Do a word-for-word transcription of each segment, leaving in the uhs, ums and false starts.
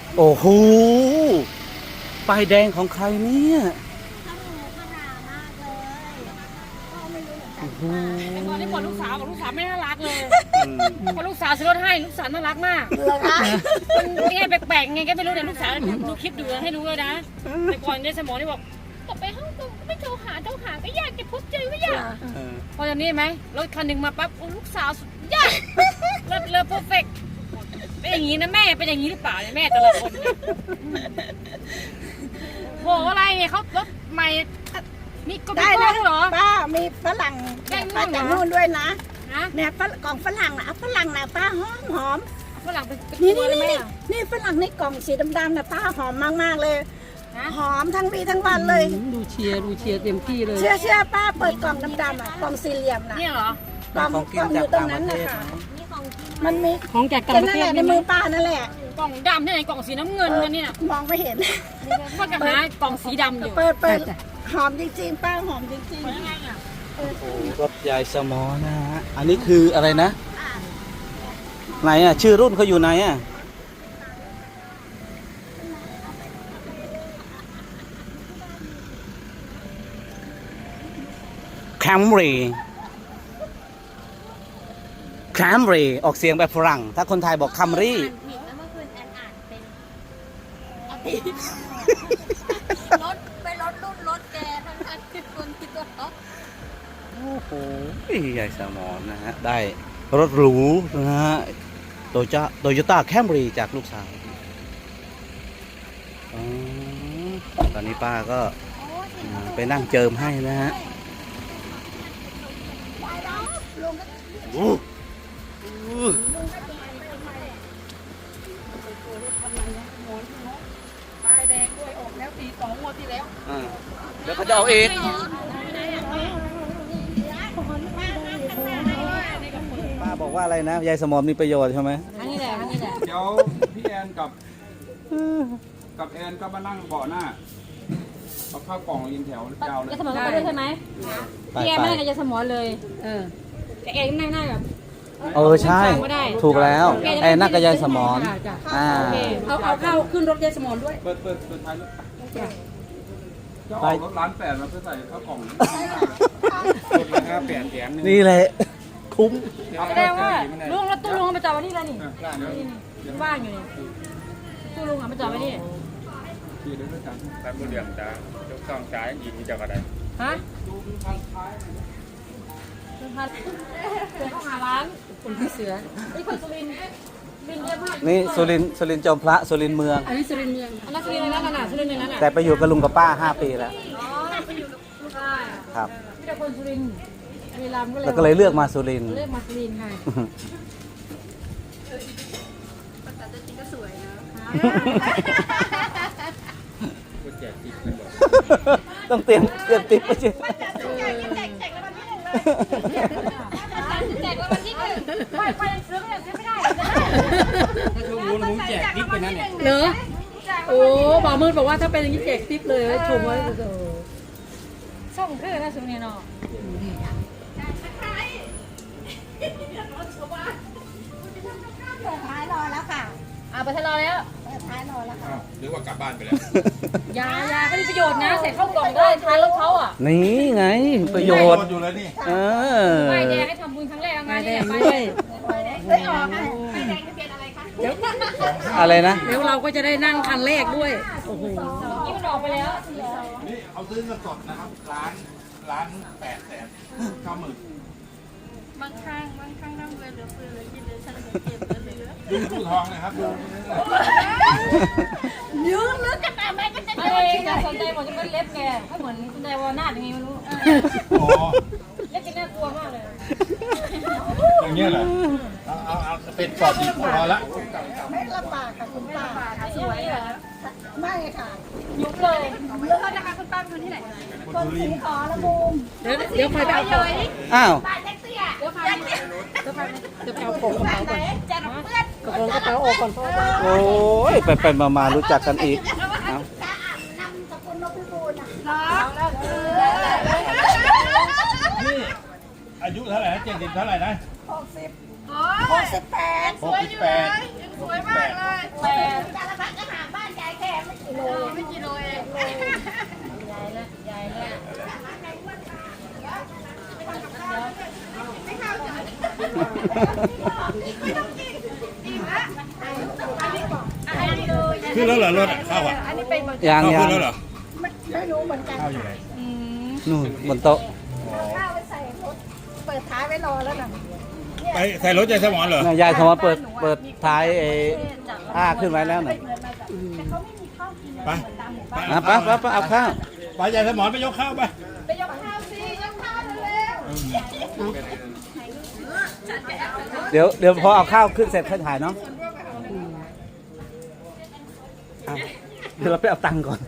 โอ้โหป้ายแดงของใครเนี่ยโอ้โหแต่ก่อนที่ก่อนลูกสาวกับลูกสาวไม่น่ารักเลยพอลูกสาวซื้อรถให้ลูกสาวน่ารักมากมันยังไงแปลกๆไงก็ไม่รู้เนี่ยลูกสาวดูคลิปดูให้รู้เลยนะแต่ก่อนในสมองนี่บอกกลับไปห้องก็ไม่โทรหาโทรหาก็อยากจะพบเจอก็อยากพอตอนนี้ไหมรถคันหนึ่งมาปั๊บลูกสาวสุดยอดเลิศเลิศเพอร์เฟกต์เป็นอย่างนี้นะแม่เป็นอย่างนี้หรือเปล่าเนี่ยแม่แต่ละคนโหอะไรเนี่ยเขารถใหม่มีกได้แล้วเหรอป้ามีฝรั่งมาจากนู่นด้วยนะเนี่ยกล่องฝรั่งนะฝรั่งนะป้าหอมหอมฝรั่งเป็นนี่นี่นี่นี่ฝรั่งในกล่องสีดำๆนะป้าหอมมากๆเลยหอมทั้งวีทั้งวันเลยดูเชียร์ดูเชียร์เต็มที่เลยเชื่อเชื่อป้าเปิดกล่องดำๆอ่ะกล่องสี่เหลี่ยมนะนี่เหรอกล่องกล่องอยู่ตรงนั้นนะคะมันมีของจากต่างประเทศในมือป้านั่นแหละกล่องดำที่ไหนกล่องสีน้ำเงินกันเนี่ยมองไม่เห็นก็จะหากล่องสีดำอยู่เปิดเปิดหอมจริงๆป้าหอมจริงๆยังไงอ่ะโอ้โหรถยายสมอนะฮะอันนี้คืออะไรนะไหนอ่ะชื่อรุ่นเขาอยู่ไหนอ่ะแคมรี่แคมรี่ออกเสียงแบบฝรั่งถ้าคนไทยบอกคัมรี่รถไปรถรุ่นรถแกทั้งทั้งที่คนคิดว่าเขาโอ้โหใหญ่สมอนนะฮะได้รถหรูนะฮะโตโยต้าโตโยต้าแคมรี่จากลูกสาวตอนนี้ป้าก็ไปนั่งเจิมให้นะฮะโอ้ป้ายแดงด้วยออกแล้วปีสองงวดที่แล้วเดี๋ยวเขาจะเอาเองป้าบอกว่าอะไรนะยายสมอมีประโยชน์ใช่ไหมอันนี้แหละอันนี้แหละเดี๋ยวพี่แอนกับกับแอนก็มานั่งเบาะหน้าเอาข้าวกล่องยินแถวยาวเลยยาสมองก็ไปด้วยใช่ไหมพี่แอนไม่ได้กับยาสมองเลยเออแต่แอนนั่งหน้ากับเออใช่ถูกแล้วไอ้นักกระยายสมอนอ่าเอาเอาเข้าขึ้นรถยายสมอนด้วยเปิดเปิดเปิดท้ายรถจะออกรถร้านแปดมาเพื่อใส่ข้าวกล่องรถราคาแปดแถมนึงนี่แหละคุ้มแสดงว่าลุงรถตู้ลุงมาจอดไว้นี่แล้วนี่ว่างอยู่นี่ตู้ลุงอ่ะมาจอดไว้นี่ขี่ด้วยกันแต่บุเรียงจ้าเจ้าข้างซ้ายยิงจากอะไรฮะเสือเข้าหาร้านคนที่เสือนี่คนสุรินทร์บินเยอะมากนี่สุรินสุรินจอมพระสุรินเมืองอันนี้สุรินเมืองอันนั้นสุรินทร์เลยนะขนาดสุรินทร์เลยนะแต่ไปอยู่กับลุงกับป้าห้าปีแล้วอ๋อไปอยู่กับลูกชายครับมีแต่คนสุรินทร์เวลาก็เลยแล้วก็เลยเลือกมาสุรินเลือกมาสุรินทร์ค่ะภาษาจริงก็สวยนะต้องเตรียมเตรียมติ๊บไปสิแจกวันที่หนึ่งไปไปยังซื้อก็ยังซื้อไม่ได้ถ้าช่วงนู้นผมแจกทิปไปนั่นเนี่ยเหรอโอ้บ่าวมืดบอกว่าถ้าเป็นอย่างนี้แจกทิปเลยชมไว้โอ้ส่งคือนะสุนีเนาะเปิดท้ายรอแล้วค่ะอ่าไปทะเลาะแล้วเปิดท้ายรอแล้วค่ะหรือว่ากลับบ้านไปแล้วยายาก็มีประโยชน์นะใส่ข้าวกล่องได้ทานรถเขาอ่ะนี่ไงประโยชน์อยู่แล้วนี่เออไปแดงให้ทำบุญครั้งแรกเอาไงเนี่ยไปด้วยได้ออกค่ะไปแดงทะเบียนอะไรคะเดี๋ยวอะไรนะเดี๋ยวเราก็จะได้นั่งคันแรกด้วยโอ้โหนี่มันออกไปแล้วนี่เอาซื้อเงินสดนะครับร้านร้านแปดแสนเก้าหมื่นบางครั้งบางครั้งนั่งเรือเหลือเฟือเลยกินเลยฉันเก็บเหลือดูดูทองนะครับดูยืนลึกกันไปก็จะไม่จะสนใจหมดจะเป็นเล็บแกถ้าเหมือนสนใจว่าหน้าอย่างงี้ไม่รู้เล็บจะน่ากลัวมากเลยอย่างเงี้ยเหรอเอาเอาเอาเป็นปอดดีพอละไม่ลำบากค่ะคุณป้าสวยเหรอไม่ค่ะยุบเลยเลือกนะคะคุณป้าคนที่ไหนคนสีขอละมุมเดี๋ยวเดี๋ยวใครไปเอาของอ้าวเดี๋ยวใครเดี๋ยวใครเดี๋ยวเอาของกระเป๋าก่อนจะรับเพื่อนกระของกระเป๋าออกก่อนพ่อโอ้ยไปไปมามารู้จักกันอีกนำสกุลนพพิบูลนะนี่อายุเท่าไหร่นะเจ็ดสิบเท่าไหร่นะหกสิบหกสิบแปดหกสิบแปดสวยมากเลยแปดขึ้นแล้วเหรอรถข้าวอ่ะยังข้าวยัขึ้งนแล้วเหรอไม่รู้เหมือนกันข้าวอยู่ไหนนู่นบนโต๊ะข้าวไปใส่รถเปิดท้ายไว้รอแล้วนะไปใส่รถใจสมอนเหรอน่ะยายสมอนเปิดเปิดท้ายไอ้ผ้าขึ้นไว้แล้วน่ะแต่เขาไม่มีข้าวกินไปอ่ะไปไปไปเอาข้าวไปใจสมอนไปยกข้าวไปไปยกข้าวสิยกข้าวเร็วเดี๋ยวเดี๋ยวพอเอาข้าวขึ้นเสร็จค่อยถ่ายเนาะเอาเดี๋ยวเราไปเอาตังค์ก่อน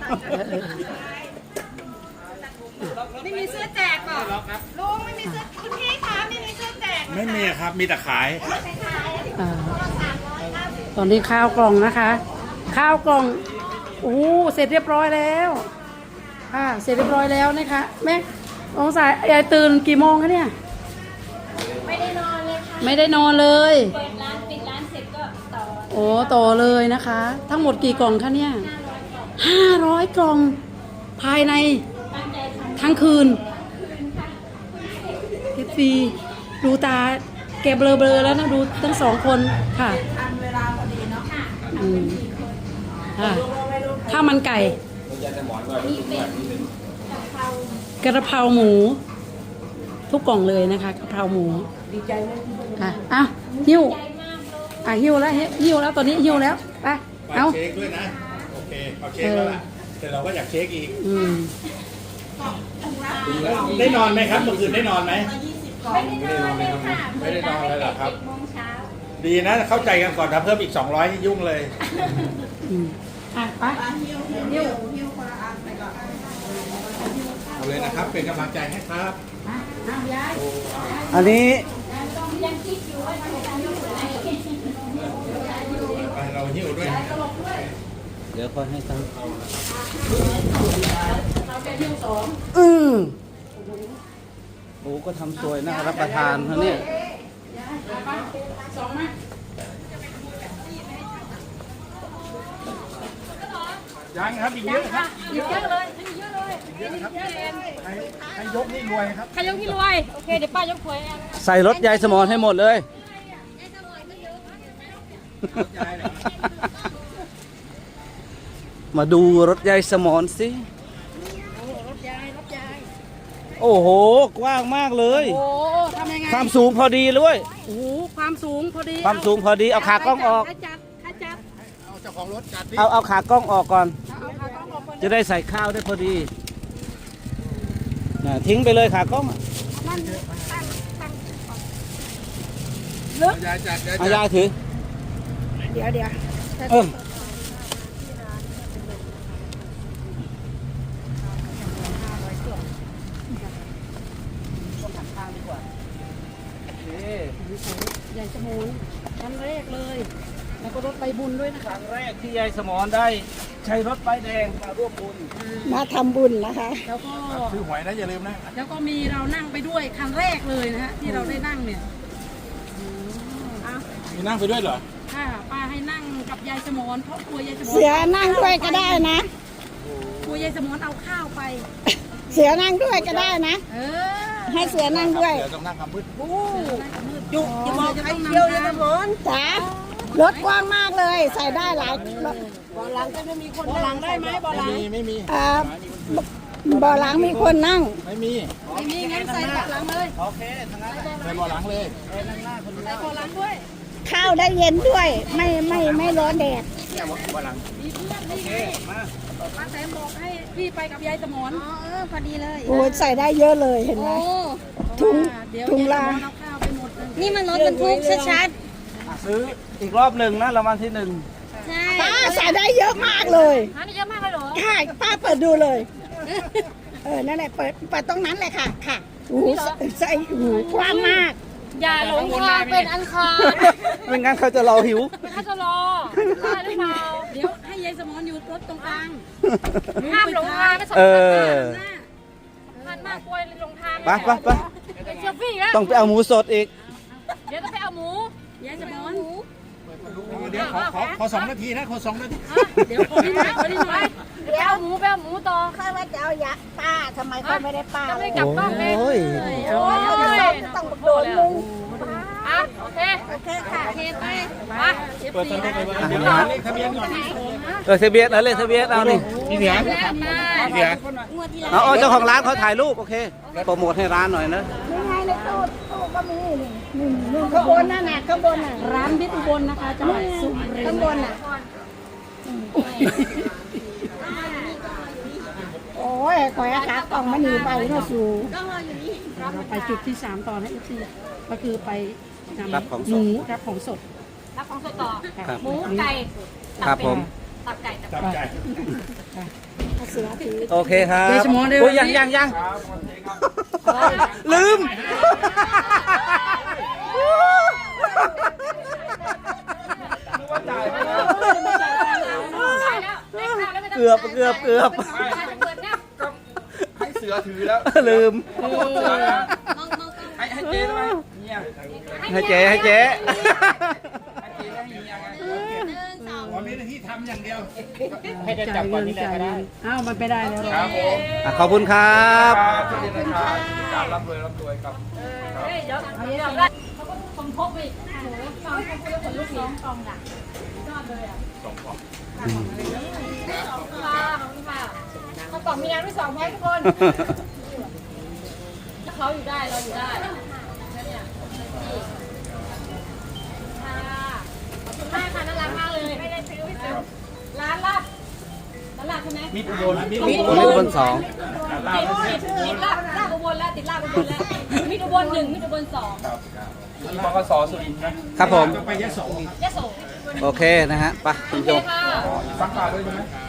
ไม่มีเสื้อแจกหรอลุงไม่มีเสื้อคุณพี่คะไม่มีเสื้อแจกไม่มีครับมีแต่ขายอ่าตอนนี้ข้าวกล่องนะคะ ข้าวกล่องโอ้เสร็จเรียบร้อยแล้วค่ะเสร็จเรียบร้อยแล้วนะคะแม่องศายายตื่นกี่โมงคะเนี่ยไม่ได้นอนเลยค่ะไม่ได้นอนเลยเปิดร้านปิดร้านเสร็จก็ต่อโอ้ต่อเลยนะคะ ทั้งหมดกี่กล่องคะเนี่ยห้าร้อยกล่อง ภายในทั้งคืนเอฟซีดูตาแกเบลอๆแล้วนะดูทั้งสองคนค่ะทันเวลาพอดีเนาะค่ะข้าวมันไก่กระเพราหมู ทุกกล่องเลยนะคะกระเพราหมูดีใจไหมอ่ะอ้าวหิ้วอ่ะหิ้วแล้วหิ้วแล้วตอนนี้หิ้วแล้วไปเอาเช็คด้วยนะโอเคเอาเช็คแล้วล่ะแต่เราก็อยากเช็คอีกอืมได้นอนไหมครับเมื่อคืนได้นอนไหมไม่ได้นอนเลยค่ะไม่ได้นอนเลยเหรอครับโมงเช้าดีนะเข้าใจกันก่อนถ้าเพิ่มอีกสองร้อยนี่ยุ่งเลยอืมอ่ะไปหิ้วเอาเลยนะครับเป็นกำลังใจให้ครับเอาย้ายอันนี้ไปเราหิ้วด้วยเดี๋ยวค่อยให้ตังค์เราแกหิ้วสองอือโอ้ก็ทำสวยน่ารับประทานนะเนี่ยไปสองมายังครับอีกเยอะครับเยอะเลยเยอะเลยเยอะครับใครใครยกนี่รวยครับใครยกที่รวย โอเค เดี๋ยวป้ายกหวยเองใส่รถยายสมอนให้หมดเลยยายเหรอมาดูรถยายสมอนสิรถยายรถยายโอ้โห กว้างมากเลยโอ้ทำยังไงความสูงพอดีเลยโอ้โหความสูงพอดีความสูงพอดี เอาขากล้องออกใครจัดใครจัดเอาเจ้าของรถจัดดิเอาเอาขากล้องออกก่อนเอาขากล้องออกก่อนจะได้ใส่ข้าวได้พอดีน่ะทิ้งไปเลยขากล้องอะยายจัดยายเอาจัดยายถือเดี๋ยวเดี๋ยวเออนี่ใหญ่สมุนครั้งแรกเลย แล้วก็รถใบบุญด้วยนะคคะรั้งแรกที่ยายสมอนได้ ใช้รถป้ายแดงมาร่วมบุญมาทำบุญนะคะแล้วก็ซื้อหวยนะอย่าลืมนะแล้วก็มีเรานั่งไปด้วยครั้งแรกเลยนะฮะที่เราได้นั่งเนี่ยมีนั่งไปด้วยเหรอค่ะป้าให้นั่งกับยายสมอนเพราะกลัวยายสมอนเสือนั่งด้วยก็ได้นะกลัวยายสมอนเอาข้าวไปเสือนั่งด้วยก็ได้นะเออให้เสือนั่งด้วยเดี๋ยวต้องนั่งคำพืชจุกจะบอกใครเที่ยวยายสมอนจ้ารถกว้างมากเลย ใส่ได้หลายรถบ่อหลังจะไม่มีคนบ่อหลังได้ไหมบ่อหลังไม่มีไม่มีอ่าบ่อหลังมีคนนั่งไม่มีไม่มีงั้นใส่บ่อหลังเลยโอเคทั้งนั้นใส่บ่อหลังเลยใส่บ่อหลังด้วยข้าวได้เย็นด้วย ไม่ไม่ไม่ร้อนแดดเนี่ยบ่อหลังมีเพื่อนนี่ไงป้าแตมบอกให้พี่ไปกับยายสมอนอ๋อเออพอดีเลยโอ้ยใส่ได้เยอะเลยเห็นไหม ถุงเดี๋ยวถุงยายสลามอนเอาข้าวไปหมดเลยนี่มันรถบรรทุกชัดซื้ออีกรอบหนึ่งนะรางวัลที่หนึ่งๆใช่ป้าใส่ได้เยอะมากเลยหาได้เยอะมากเลยเหรอใช่ป้าเปิดดูเลย เออนั่นแหละเปิดเปิดตรงนั้นเลยค่ะค่ะโอ้โหใส่ใส่โอ้โหกว้างมากอย่าหลงทางเป็นอันคารไม่งั้นเขาจะรอหิวเขาจะรอได้หรือเปล่าเดี๋ยวให้ยายสมอนอยู่รถตรงกลางห้ามหลงทางไม่สำเอคัญอมากสำคัญมากกลัวหลงทางไปไปไปเป็นเซลฟี่แล้วต้องไปเอาหมูสดอีกเดี๋ยวต้องไปเอาหมูยายสมอนเดี๋ยวขอขอขอสองนาทีนะขอสองนาทีเดี๋ยวขอนิดหน่อยขอนิดหน่อยไปเอาหมูไปเอาหมูต่อค่อยว่าจะเอายะป้าทำไมเขาไม่ได้ป้าก็ไม่กลับบ้านเลยโอ้ยเอาโอ้แล้วยต้องโดนมึงเอานะคะโอเคโอเคค่ะโอเคไปมาเปิดสนุกไปอ่ะเดี๋ยวนะเลขทะเบียนก่อนเออเซเบียสเอาเลยเซเบียสเอานี่พี่เหนือพี่เหนือเอาเอาเจ้าของร้านเขาถ่ายรูปโอเคโปรโมทให้ร้านหน่อยนะยังไงในตู้ตู้ก็มีนี่นี่นี่ข้างบนนั่นน่ะข้างบนน่ะร้านพิษอุบลนะคะจังหวัดสุรินทร์ข้างบนน่ะโอ้ยขอยอากาศกล่องมันหนีไปเนาะสูเราไปจุดที่สามต่อนะเอฟซีก็คือไปนำรับของหสมูดรับของสดรับของสดต่อครับหมูไก่ตัครับเป็ดผมตับไก่ตับจับใจเสือถือโอเคครับเดชมอนเดชโอ้ยยังยังยังครับวันนี้ครับลืมนึกว่าจ่ายไปแล้วเกือบเกือบเกือบให้เสือถือแล้วลืมให้ให้เจ๊ได้ไหมเนี่ยให้เจ๊ให้เจ๊ให้เจ๊ได้เฮียไงวันนี้ที่ทำอย่างเดียว ให้จะจัจ่าบยก่อนเงินนี่แหละจ่ายก็เงิได้นอ้าวมันไปได้แล้วครับผมอ่ะขอบคุณครับครับสวัสดีนะครับการร่ำรวยร่ำรวยครับเฮ้ยเดี๋ยวเดี๋ยวได้เขาก็สมทบอีกโอ้โหฟังเขาคุยกับคนลูกน้องกองด่ะยอดเลยอ่ะสองของขอบคุณค่ะขอบคุณค่ะข้าวกล่องมีน้ำด้วยสองไว้ทุกคนถ้าเขาอยู่ได้เราอยู่ได้เนี่ยค่ะขอบคุณมากค่ะน่ารักมากเลยไม่ได้ซื้อไม่ซื้อร้านลาบร้านลาบใช่ไหมมีอุบลมีมีอุบลสองติดติดติดลาบลาบอุบลแล้วติดลาบอุบลแล้วมีอุบลหนึ่งมีอุบลสองครับมีบกสสุรินทร์นะครับผมไปยะโสยะโสโอเคนะฮะไปคุณโอผู้เคชมค่ะฟังข่าวด้วยใช่ไหม